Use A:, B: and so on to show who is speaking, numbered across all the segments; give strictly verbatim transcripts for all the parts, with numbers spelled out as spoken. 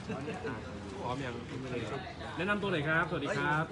A: พร้อมยังแนะนำตัวหน่อยครับสวัสดีครับ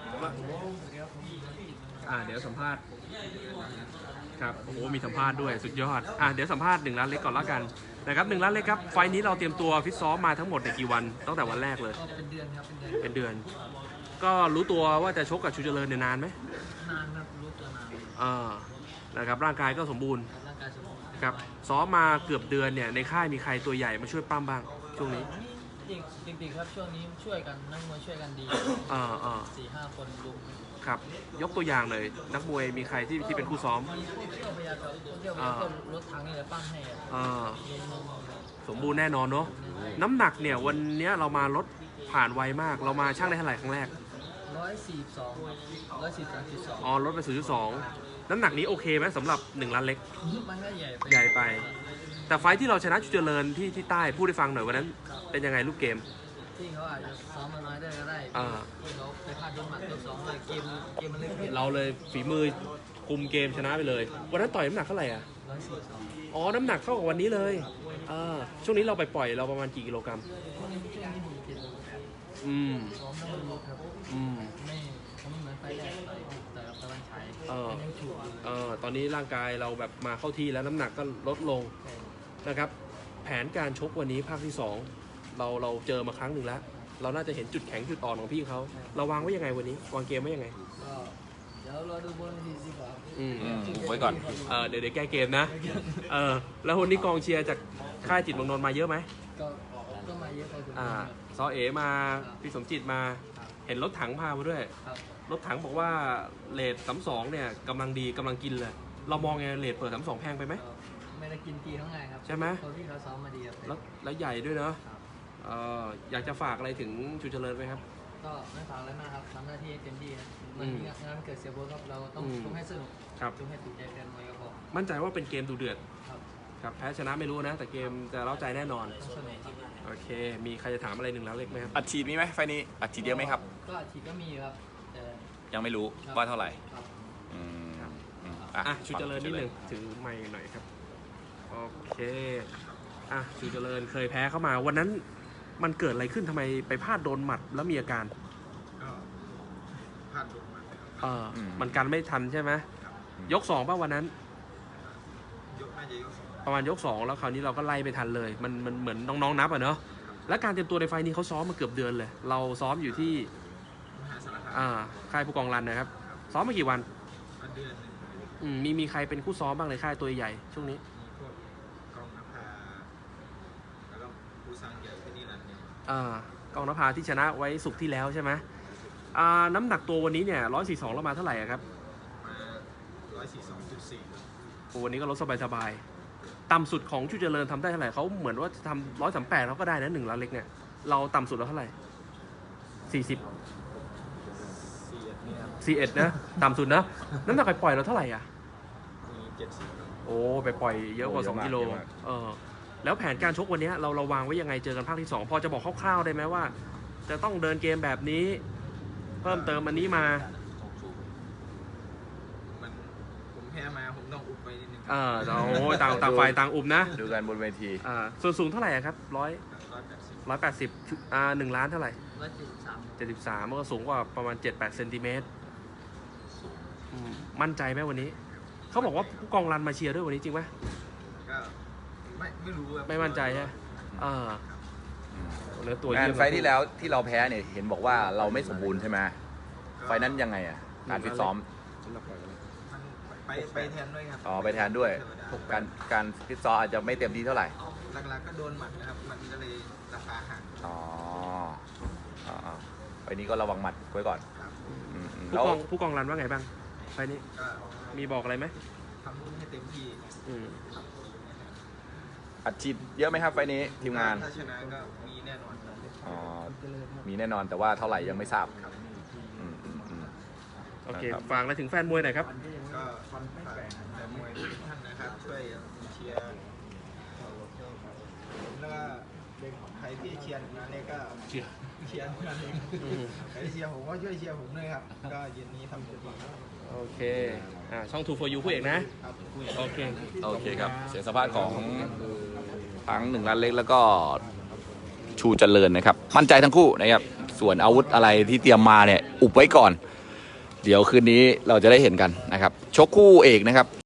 A: อ่าเดี๋ยวสัมภาษณ์ครับโอ้โหมีสัมภาษณ์ด้วยสุดยอดอ่าเดี๋ยวสัมภาษณ์หนึ่งล้านเล็กก่อนละกันนะครับหนึ่งล้านเล็กครับไฟนี้เราเตรียมตัวฟิตซ้อมมาทั้งหมดในกี่วันตั้งแต่วันแรกเลย
B: ก็เป็นเดือนครับเป็นเดือน
A: เป็นเดือนก็รู้ตัวว่าจะชกกับชูเจริญเนี่ยนานไหม
B: นานครับรู้ตัวนาน
A: อ่านะครับร่างกายก็สมบูรณ์
B: ร่างกายสมบูรณ์
A: ครับซ้อมมาเกือบเดือนเนี่ยในค่ายมีใครตัวใหญ่มาช่วยปั้มบ้างช่วงนี้
B: จริงๆครับช่วงนี้ช่วยกันนักมวยช่วยกันดี
A: อ่าอ่า
B: สี่ห้าคนลุม
A: ครับยกตัวอย่างเลยนักมวยมีใครที่ที่เป็นคู่ซ้อม
B: มีพวกเที่ยวพยากับพวกเที่ยวพยาก็รถถังนี่แหละปั้มให้
A: อ่าสมบูรณ์แน่นอนเนาะน้ำหนักเนี่ยวันนี้เรามาลดผ่านไวมากเรามาช่างได้เท่าไหร่ครั้งแรก
B: ร้อยสี่สองร้อยสี่สองจุดสอง
A: อ๋อลดไปศูนย์จุดสองน้ำหนักนี้โอเคไหมสำหรับหนึ่งล้านเล็ก
B: มันก็ใหญ่
A: ใหญ่ไปแต่ไฟที่เราชนะชูเจริญที่ที่ใต้พูดให้ฟังหน่อยวันนั้นเป็นยังไงลูกเกม
B: ที่เขาอาจจะซ้อมมาน้อยได้ก็ได้ที่เขาไปพลาดโดนหมัดโดนสองเลยเกมเกมมันเลยเปลี่ยน
A: เราเลยฝีมือคุมเกมชนะไปเลยวันนั้นต่อยน้ำหนักเท่าไหร่อ่ะ
B: ร้อยสี่สอง
A: อ๋อน้ำหนักเท่ากับวันนี้เลยอ่าช่วงนี้เราไปปล่อยเราประมาณกี่กิโลกรัม
B: ช่วงนี้ช่วงนี้ผมเจ็ด
A: อืม
B: ซ้อมต้องลดครับ
A: อืม
B: ไม่เขาไม่เหมือนไฟแรกไฟแต่ตะวันฉาย
A: เออ
B: ยังฉุก
A: เออตอนนี้ร่างกายเราแบบมาเข้าที่แล้วน้ำหนักก็ลดลงนะครับแผนการชกวันนี้ภาคที่สองเราเราเจอมาครั้งหนึ่งแล้วเราน่าจะเห็นจุดแข็งจุดอ่อนของพี่เขาเราวางไว้ยังไงวันนี้วางเกมไว้ยังไง
B: ก็เดี๋ยวเราดูบนทีสิครับ
A: อืม
C: ไว้ก่อน
A: เออเดี๋ยวเดี๋ยวแก้เกมนะเออแล้ววันนี้กองเชียร์จากค่ายจิตเมืองนนท์มาเยอะไหม
B: ก็ก็มาเยอะพอสมควร
A: อ่าซอเอมาพี่สมจิตมาเห็นรถถังพามาด้วยรถถังบอกว่าเลทสามสองเนี่ยกำลังดีกำลังกินเลยเรามองไงเลทเปิดสามสองแพงไปไหม
B: ไม่ได้กินตีเท่าไงครับ
A: ใช่ไหม
B: เพราะพี่เขาซ้อมมาดีครับ
A: แล้วแล้วใหญ่ด้วยเนาะเอออยากจะฝากอะไรถึงชูเจริญไหมครับ
B: ก็ไม่ฝากอะไรมากครับทำหน้าที่เต็มที่ครับมันงานเกิดเสียโบครับเราต้องต้องให้สนุกต้องให้ติดใจแฟนมวยก็พอ
A: มั่นใจว่าเป็นเกมดูเดือด
B: ครับ
A: ครับแพ้ชนะไม่รู้นะแต่เกมจะเล้าใจแน่นอน
B: ต้องสนุก
A: โอเคมีใครจะถามอะไรหนึ่งแล้วเล็กไหมครับ
C: อัดฉีดมีไหมไฟนี้อัดฉีดเยอะไหมครับ
B: ก็อัดฉีดก็มีครับแต่
C: ยังไม่รู้ว่าเท่าไหร่
A: อืมอ่ะชูเจริญนิดหนึ่งถือไมค์หน่อยครับโอเคอ่ะชูเจริญเคยแพ้เข้ามาวันนั้นมันเกิดอะไรขึ้นทำไมไปพลาดโดนหมัดแล้วมีอาการ
D: ก็พลาดโดนหมัด
A: เออมันกันไม่ทันใช่ไหมยกสองป่ะวันนั้น
D: ยกน่าจะยกสอง
A: ประมาณยกสองแล้วคราวนี้เราก็ไล่ไปทันเลยมันมันเหมือนน้องๆนับอ่ะเนาะและการเตรียมตัวในไฟนี้เขาซ้อมมาเกือบเดือนเลยเราซ้อมอยู่ที่
D: มหาสารคาม
A: อ่าค่ายผู้กองรันนะครับซ้อมมากี่วัน
D: เดือนหนึ่ง
A: อืมมีมีใครเป็นคู่ซ้อมบ้างในค่ายตัวใหญ่ช่วงนี้
D: มีพวกกองนภาแล้วก็ผู้สร้างใหญ่ที่นี่นั่นเนี่ย
A: อ่ากองนภาที่ชนะไว้สุกที่แล้วใช่ไหมอ่าน้ำหนักตัววันนี้เนี่ยร้อยสี่สองเรามาเท่าไหร่ครับ
D: มาร้อยสี่สองจุดสี่
A: วันนี้ก็ลดสบายๆต่ำสุดของชูเจริญทำได้เท่าไหร่เขาเหมือนว่าทำร้อยสามแปดเขาก็ได้นะหนึ่งล้านเล็กเนี่ยเราต่ำสุดเราเท่าไหร่สี่สิบสี่เอ็ดนะต่ำสุดนะน้ำหนักปล่อยเราเท่าไหร่อ่ะ
D: มีเจ็ดสิบ
A: โอ้ไปปล่อยเยอะกว่าสองกิโลเออแล้วแผนการชกวันนี้เราเราวางไว้ยังไงเจอกันภาคที่สองพอจะบอกคร่าวๆได้ไหมว่าจะต้องเดินเกมแบบนี้เพิ่มเติมอันนี้มา
D: มันผมแพ้มาผมต้องอุบไปนิดนึง
A: เออโอ้ต่างต่างฝ่ายต่างอุบนะ
C: ดูกันบนเวที
A: อ่าส่วนสูงเท่าไหร่ครับร้อยร้อยแปดสิบอ่าหนึ่งล้านเท่าไหร่
B: ร้อยเจ็ดสิบสาม
A: เจ็ดสิบสามมันก็สูงกว่าประมาณเจ็ดแปดเซนติเมตรมั่นใจไหมวันนี้เขาบอกว่าผู้กองรันมาเชียร์ด้วยวันนี้จริงไหม
D: ก็ไม่ไม่รู้
A: ไม่มั่นใจใช่ไหมเออ
C: เนื้อตัวงานไฟที่แล้วที่เราแพ้เนี่ยเห็นบอกว่าเราไม่สมบูรณ์ใช่ไหมไฟนั้นยังไงอ่ะการฟิตซ้อม
D: ไปไปแทนด้วยครับ
C: อ๋อไปแทนด้วยการการฟิตซ้อมอาจจะไม่เต็มที่เท่าไหร่
D: หลักๆก็โดนหมัดนะครับมันก็เลยราคาห่าง
C: อ๋ออ๋อไฟนี้ก็ระวังหมัดไว้ก่อน
A: ผู้กองผู้กองรันว่าไงบ้างไฟนี้มีบอกอะไรไหม
D: ทำให้เต็มที่
C: อัดฉีดเยอะไหมครับไฟนี้ทีมงาน
D: ถ้าชนะก็มีแน่นอน
C: อ๋อมีแน่นอนแต่ว่าเท่าไหร่ยังไม่ทราบ
A: โอเคฝากอะไรถึงแฟนมวยหน่อยครับ
D: ก็ฝากแฟนมวยทุกท่านนะครับช่วยเชียร์แล้วก็ใครที่เชียร์งานนี้ก็เชียร์เชียร์งานนี้ใครเชียร์ผมก็ช่วยเชียร์ผมด้วยครับก็เย็นนี้ทำเต็มที่
A: โอเคอ่าช่อง ทู โฟร์ ยู คู่เอกนะโอเค
C: โอเคครับเสียงสัมภาษณ์ของทั้งหนึ่งล้านเล็กแล้วก็ชูเจริญนะครับ มั่นใจทั้งคู่นะครับส่วนอาวุธอะไรที่เตรียมมาเนี่ยอุบไว้ก่อน เดี๋ยวคืนนี้เราจะได้เห็นกันนะครับชกคู่เอกนะครับ